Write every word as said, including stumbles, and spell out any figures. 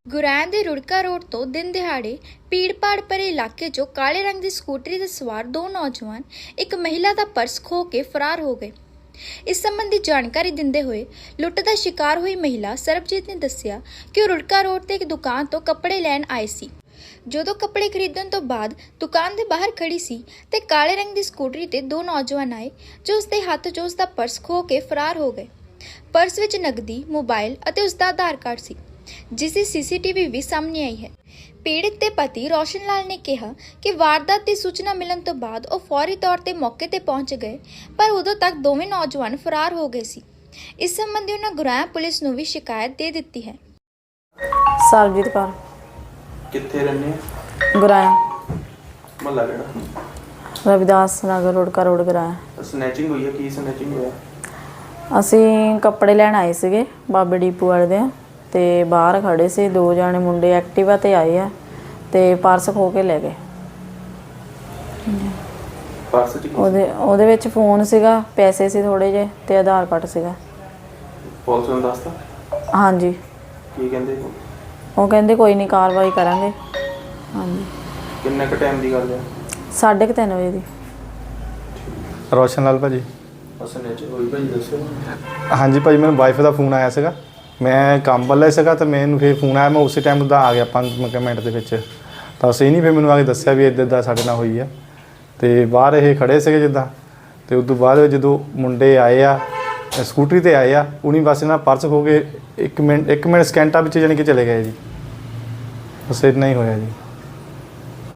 ਗੁਰੈਂ ਦੇ ਰੁੜਕਾ ਰੋਡ ਤੋਂ ਦਿਨ ਦਿਹਾੜੇ ਭੀੜ-ਭਾੜ ਭਰੇ ਇਲਾਕੇ 'ਚੋਂ ਕਾਲੇ ਰੰਗ ਦੀ ਸਕੂਟਰੀ ਤੇ ਸਵਾਰ ਦੋ ਨੌਜਵਾਨ ਇੱਕ ਮਹਿਲਾ ਦਾ ਪਰਸ ਖੋਹ ਕੇ ਫਰਾਰ ਹੋ ਗਏ। ਇਸ ਸੰਬੰਧੀ ਜਾਣਕਾਰੀ ਦਿੰਦੇ ਹੋਏ ਲੁੱਟ ਦਾ ਸ਼ਿਕਾਰ ਹੋਈ ਮਹਿਲਾ ਸਰਬਜੀਤ ਨੇ ਦੱਸਿਆ ਕਿ ਉਹ ਰੁੜਕਾ ਰੋਡ ਤੇ ਇੱਕ ਦੁਕਾਨ ਤੋਂ ਕੱਪੜੇ ਲੈਣ ਆਏ ਸੀ। ਜਦੋਂ ਕੱਪੜੇ ਖਰੀਦਣ ਤੋਂ ਬਾਅਦ ਦੁਕਾਨ ਦੇ ਬਾਹਰ ਖੜੀ ਸੀ ਤੇ ਕਾਲੇ ਰੰਗ ਦੀ ਸਕੂਟਰੀ ਤੇ ਦੋ ਨੌਜਵਾਨ ਆਏ ਜੋ ਉਸਦੇ ਹੱਥ 'ਚੋਂ ਉਸਦਾ ਪਰਸ ਖੋਹ ਕੇ ਫਰਾਰ ਹੋ ਗਏ। ਪਰਸ ਵਿੱਚ ਨਕਦੀ, ਮੋਬਾਈਲ ਅਤੇ ਉਸਦਾ ਆਧਾਰ ਕਾਰਡ ਸੀ, जिस की सीसीटीवी भी सामने आई है। पीड़ित के पति रोशन लाल ने कहा कि वारदात की सूचना मिलने तो बाद वो फौरी तौर पर मौके पर पहुंच गए, पर उदों तक दोवें नौजवान फरार हो गए सी। इस संबंधी उन्होंने गुरैं पुलिस नूं भी शिकायत दे दी है। सरबजीत कौर कित्थे रहने गुरैं महल्ला किहड़ा? रविदास नगर रोड का रोड गुरैं। स्नैचिंग हुई है? की स्नैचिंग होया? ਅਸੀਂ ਕੱਪੜੇ ਲੈਣ ਆਏ ਸੀਗੇ ਬਾਬੇ ਡੀਪੂ ਵਾਲੇ ਦੇ ਤੇ ਬਾਹਰ ਖੜੇ ਸੀ ਦੋ ਜਾਣੇ ਮੁੰਡੇ ਐਕਟਿਵਾ ਤੇ ਆਏ ਆ ਤੇ ਪਰਸ ਖੋ ਕੇ ਲੈ ਗਏ। ਪਰਸ ਚ ਕੀ? ਉਹਦੇ ਉਹਦੇ ਵਿੱਚ ਫੋਨ ਸੀਗਾ, ਪੈਸੇ ਸੀ ਥੋੜੇ ਜਿਹੇ ਤੇ ਆਧਾਰ ਕਾਰਡ ਸੀਗਾ। ਪੁਲਿਸ ਨੂੰ ਦੱਸਤਾ? ਹਾਂਜੀ। ਕੀ ਕਹਿੰਦੇ? ਉਹ ਕਹਿੰਦੇ ਕੋਈ ਨਹੀਂ ਕਾਰਵਾਈ ਕਰਾਂਗੇ। ਹਾਂਜੀ। ਕਿੰਨੇ ਕ ਟਾਈਮ ਦੀ ਗੱਲ ਹੈ? ਸਾਢੇ ਕੁ ਤਿੰਨ ਵਜੇ ਦੀ। ਰੋਸ਼ਨ ਲਾਲ ਭਾਜੀ। स्नैचिंग हुई भाई दसो। ਹਾਂਜੀ ਭਾਜੀ, ਮੈਨੂੰ ਵਾਈਫ ਦਾ ਫੋਨ ਆਇਆ ਸੀਗਾ, ਮੈਂ ਕੰਮ ਵੱਲੇ ਸੀਗਾ ਤਾਂ ਮੈਨੂੰ ਫਿਰ ਫੋਨ ਆਇਆ, ਮੈਂ ਉਸੇ ਟਾਈਮ ਦਾ ਆ ਗਿਆ ਪੰਜ ਮਿੰਟ ਦੇ ਵਿੱਚ। ਤਾਂ ਅਸੀਂ ਨਹੀਂ ਫਿਰ ਮੈਨੂੰ ਆ ਕੇ ਦੱਸਿਆ ਵੀ ਇੱਦਾਂ ਇੱਦਾਂ ਸਾਡੇ ਨਾਲ ਹੋਈ ਆ ਅਤੇ ਬਾਹਰ ਇਹ ਖੜ੍ਹੇ ਸੀਗੇ ਜਿੱਦਾਂ। ਅਤੇ ਉਸ ਤੋਂ ਬਾਅਦ ਜਦੋਂ ਮੁੰਡੇ ਆਏ ਆ ਸਕੂਟਰੀ 'ਤੇ ਆਏ ਆ, ਉਹਨੀ ਬਸ ਇਹਨਾਂ ਪਰਸ ਖੋ ਕੇ ਇੱਕ ਮਿੰਟ ਇੱਕ ਮਿੰਟ ਸਕਿੰਟਾਂ ਵਿੱਚ ਜਾਣੀ ਕਿ ਚਲੇ ਗਏ ਜੀ। ਬਸ ਇੰਨਾ ਹੀ ਹੋਇਆ ਜੀ।